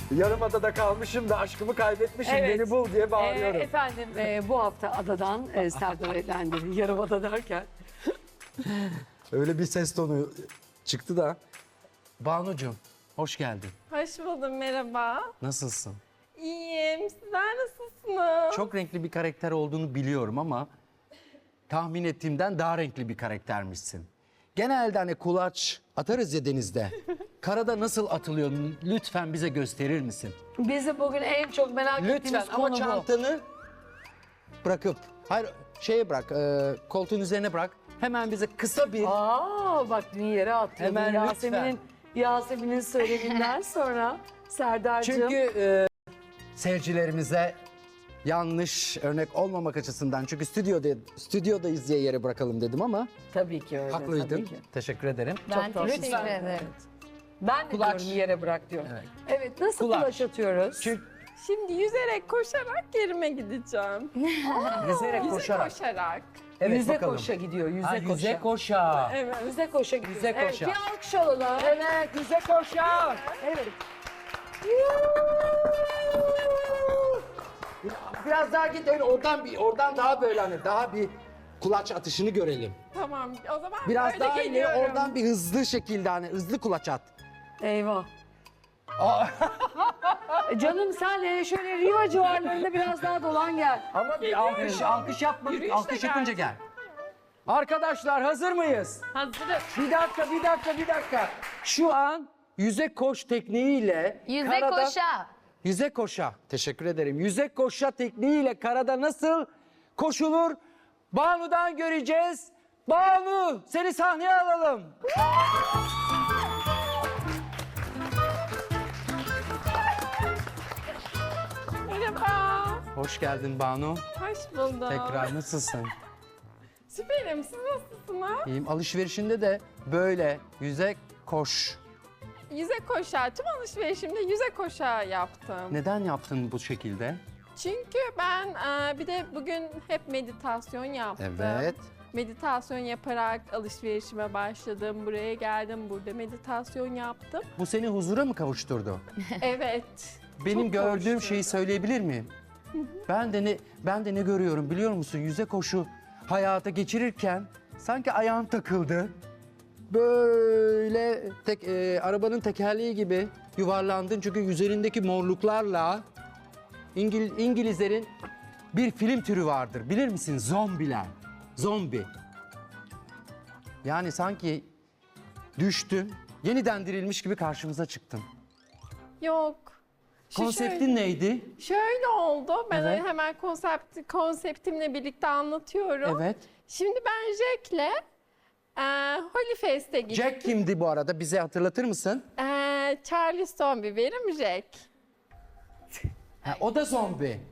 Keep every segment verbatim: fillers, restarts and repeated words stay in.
Yarımada'da kalmışım da aşkımı kaybetmişim, Evet. beni bul diye bağırıyorum. Ee, efendim e, bu hafta adadan e, Serdar Eğlendi. Yarımada derken. Öyle bir ses tonu çıktı da. Banucuğum, hoş geldin. Hoş buldum, merhaba. Nasılsın? İyiyim, sizler nasılsınız? Çok renkli bir karakter olduğunu biliyorum ama tahmin ettiğimden daha renkli bir karaktermişsin. Genelde hani kulaç atarız ya denizde. Karada nasıl atılıyor? Lütfen bize gösterir misin? Bizi bugün en çok merak Lütfen ettiğimiz ama konu bu. çantanı bırakıp, hayır şeye bırak, e, koltuğun üzerine bırak. Hemen bize kısa bir... Aa bak dün yere atıyordun. Hemen Yasemin'in Yasemin'in söyleminden sonra Serdar'cığım. Çünkü e, seyircilerimize yanlış örnek olmamak açısından, çünkü stüdyoda stüdyodayız diye yere bırakalım dedim ama Tabii ki öyle. haklıydın. Tabii ki. Teşekkür ederim. Ben Çok teşekkür tatlı. ederim. Ben de Kulaç. diyorum yere bırak diyorum. Evet. Evet, nasıl Kulaç. kulaç atıyoruz? Çünkü Şimdi yüzerek, koşarak yerime gideceğim. yüzerek Yüze koşarak. koşarak. Evet, yüze bakalım. koşa gidiyor, yüze Ha, koşa. yüze koşa. Evet. Yüze koşa gidiyor. Yüze Evet, koşa. bir alkış alalım. Evet, yüze koşa. Evet. Biraz daha git öyle, oradan bir, oradan daha böyle hani daha bir kulaç atışını görelim. Tamam, o zaman Biraz böyle daha ileri, geliyorum. oradan bir hızlı şekilde hani hızlı kulaç at. Eyvah. E Canım sen e, şöyle Riva civarlarında biraz daha dolan gel. Ama bir alkış, alkış yapmadık. Yürüyüşle Alkış yapınca gel. Arkadaşlar hazır mıyız? Hazırım. Bir dakika, bir dakika, bir dakika. Şu an yüze koş tekniğiyle Yüze karada... koşa. Yüze koşa. Teşekkür ederim. Yüze koşa tekniğiyle karada nasıl koşulur? Banu'dan göreceğiz. Banu, seni sahneye alalım. Merhaba. Hoş geldin Banu. Hoş buldum. Tekrar nasılsın? Süperim, siz nasılsınız? İyiyim. Alışverişinde de böyle yüze koş. Yüze koşa, tüm alışverişimde yüze koşa yaptım. Neden yaptın bu şekilde? Çünkü ben e, bir de bugün hep meditasyon yaptım. Evet. Meditasyon yaparak alışverişime başladım. Buraya geldim, burada meditasyon yaptım. Bu seni huzura mı kavuşturdu? Evet. Benim çok gördüğüm kavuşturdu. şeyi söyleyebilir miyim? Ben de ne ben de ne görüyorum biliyor musun? Yüze koşu hayata geçirirken sanki ayağın takıldı. Böyle tek e, arabanın tekerleği gibi yuvarlandın, çünkü üzerindeki morluklarla İngil, İngilizlerin bir film türü vardır. Bilir misin? Zombiler. Zombi. Yani sanki düştün, yeniden dirilmiş gibi karşımıza çıktın. Yok. Şu Konseptin şöyle, neydi? şöyle oldu. Ben Evet. hemen konsept, konseptimle birlikte anlatıyorum. Evet. Şimdi ben Jack'le e, Holy Fest'e gittim. Jack kimdi bu arada? Bize hatırlatır mısın? E, Charlie Zombie, benim Jack. Ha, o da zombi.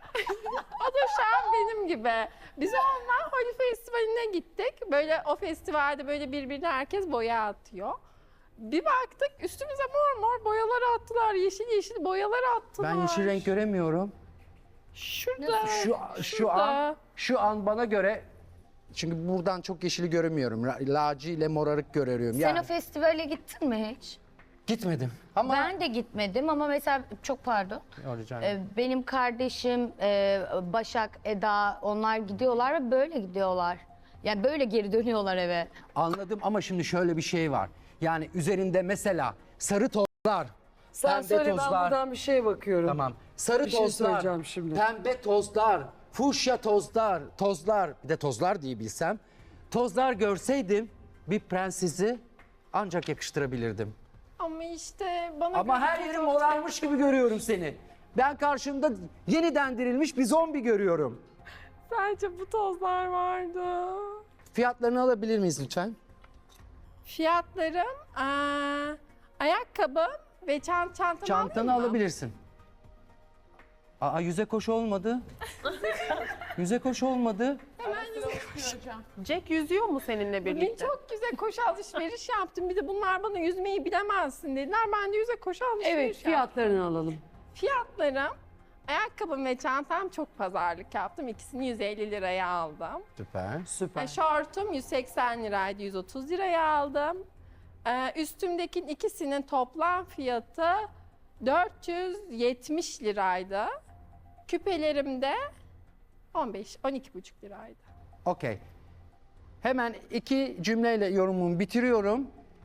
O da şu an benim gibi. Biz onunla Holy Festivali'ne gittik. Böyle o festivalde böyle birbirine herkes boya atıyor. Bir baktık üstümüze mor mor boyalar attılar. Yeşil yeşil boyalar attılar. Ben yeşil renk göremiyorum. Şurada. Şu şu şurada. an şu an bana göre, çünkü buradan çok yeşili göremiyorum. La- Laci ile morarık görüyorum. Sen Yani o festivale gittin mi hiç? gitmedim. Ama Ben de gitmedim ama mesela çok pardon. Rica ederim. Ee, benim kardeşim e, Başak, Eda onlar gidiyorlar ve böyle gidiyorlar. Yani böyle geri dönüyorlar eve. Anladım ama şimdi şöyle bir şey var. Yani üzerinde mesela sarı tozlar, Sen pembe söyle ben tozlar. buradan bir şeye bakıyorum. Tamam. Sarı Bir şey tozlar, söyleyeceğim şimdi. pembe tozlar, fuşya tozlar, tozlar, bir de tozlar diye bilsem. Tozlar görseydim bir prensesi ancak yakıştırabilirdim. Ama işte bana Ama göre her çok- yerim morarmış gibi görüyorum seni. Ben karşımda yeniden dirilmiş bir zombi görüyorum. Sadece bu tozlar vardı. Fiyatlarını alabilir miyiz lütfen? Fiyatlarım aa, ayakkabım ve çant çantamı Çantanı alayım mı? alabilirsin. Aa, yüze koş olmadı. Yüze koş olmadı. Jack yüzüyor mu seninle Bugün birlikte? çok güzel koşu alışveriş yaptım. Bir de bunlar bana yüzmeyi bilemezsin dediler. Ben de yüze koşu alışveriş Evet, yaptım. fiyatlarını alalım. Fiyatlarım, ayakkabım ve çantam çok pazarlık yaptım. İkisini yüz elli liraya aldım. Süper. Süper. E, şortum yüz seksen liraydı, yüz otuz liraya aldım. Ee, üstümdeki ikisinin toplam fiyatı dört yüz yetmiş liraydı. Küpelerim de on beş on iki buçuk liraydı. Okey. Hemen iki cümleyle yorumumu bitiriyorum.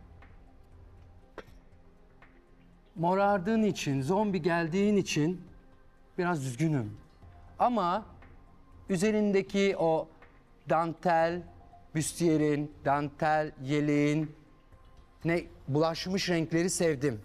Morardığın için, zombi geldiğin için biraz üzgünüm. Ama üzerindeki o dantel, büstiyerin, dantel, yeleğin ne bulaşmış renkleri sevdim.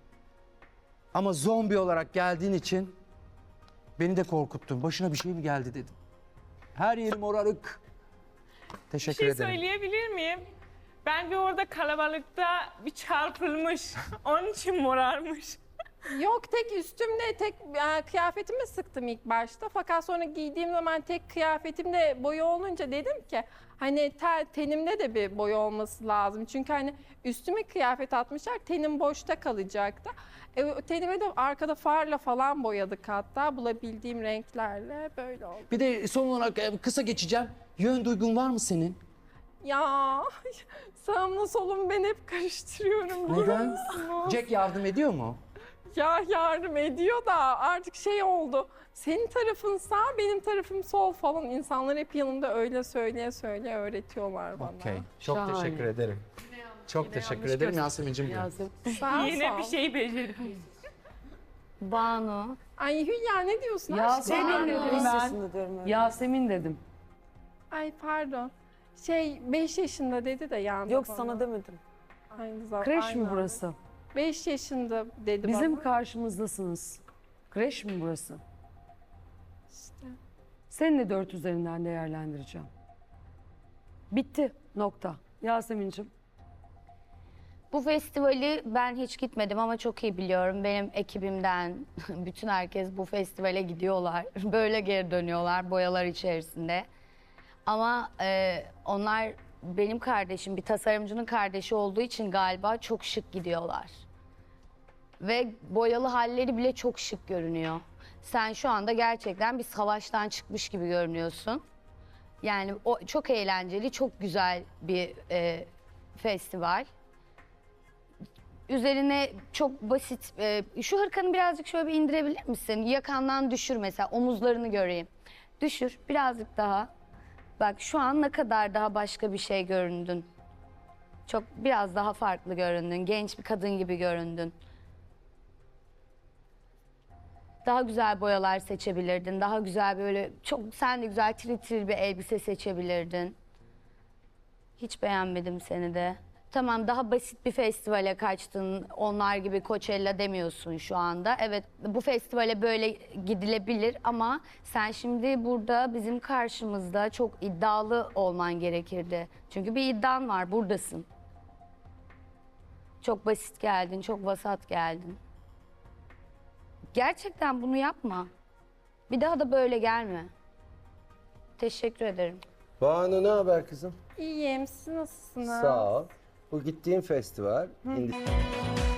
Ama zombi olarak geldiğin için beni de korkuttun. Başına bir şey mi geldi dedim. Her yerim morarık. Bir Teşekkür şey ederim. söyleyebilir miyim? Bence orada kalabalıkta bir çarpılmış. Onun için morarmış. Yok, tek üstümde tek e, kıyafetimi sıktım ilk başta. Fakat sonra giydiğim zaman tek kıyafetimde boya olunca dedim ki hani te- tenimde de bir boya olması lazım. Çünkü hani üstüme kıyafet atmışlar, tenim boşta kalacaktı. E, tenime de arkada farla falan boyadık, hatta bulabildiğim renklerle böyle oldu. Bir de son olarak e, kısa geçeceğim. Yön duygun var mı senin? Ya sağımla solum ben hep karıştırıyorum. biliyor Neden? musunuz? Jack yardım ediyor mu? Ya yardım ediyor da artık şey oldu. Senin tarafın sağ, benim tarafım sol falan. İnsanlar hep yanımda öyle söyleye söyleye öğretiyorlar bana. Okey. Çok Şahane. teşekkür ederim. Çok teşekkür ederim Yasemin'cim. Yasemin. Sağ ol, Yine sağ bir ol. şey becerdim. Banu. Ay Hülya ne diyorsun? Yasemin aşkım? dedim ben. Yasemin dedim. Ay pardon. Şey beş yaşında dedi de yandı Yok bana. sana demedim. Aynı zamanda. Kreş mi burası? beş yaşında dedi Bizim bana. karşımızdasınız. Kreş mi burası? İşte. Seni de dört üzerinden değerlendireceğim. Bitti. Nokta. Yasemin'cim. Bu festivali ben hiç gitmedim ama çok iyi biliyorum. Benim ekibimden bütün herkes bu festivale gidiyorlar. Böyle geri dönüyorlar boyalar içerisinde. Ama e, onlar benim kardeşim, bir tasarımcının kardeşi olduğu için galiba çok şık gidiyorlar. Ve boyalı halleri bile çok şık görünüyor. Sen şu anda gerçekten bir savaştan çıkmış gibi görünüyorsun. Yani o çok eğlenceli, çok güzel bir e, festival. Üzerine çok basit, e, şu hırkanı birazcık şöyle bir indirebilir misin? Yakandan düşür mesela, omuzlarını göreyim. Düşür, birazcık daha. Bak şu an ne kadar daha başka bir şey göründün. Çok biraz daha farklı göründün, genç bir kadın gibi göründün. Daha güzel boyalar seçebilirdin, daha güzel böyle, çok sen de güzel tril tril bir elbise seçebilirdin. Hiç beğenmedim seni de. Tamam, daha basit bir festivale kaçtın. Onlar gibi Coachella demiyorsun şu anda. Evet, bu festivale böyle gidilebilir ama sen şimdi burada bizim karşımızda çok iddialı olman gerekirdi. Çünkü bir iddian var, buradasın. Çok basit geldin, çok vasat geldin. Gerçekten bunu yapma. Bir daha da böyle gelme. Teşekkür ederim. Banu ne haber kızım? İyiyim, siz nasılsınız? Sağ ol. Bu gittiğin festival. indi-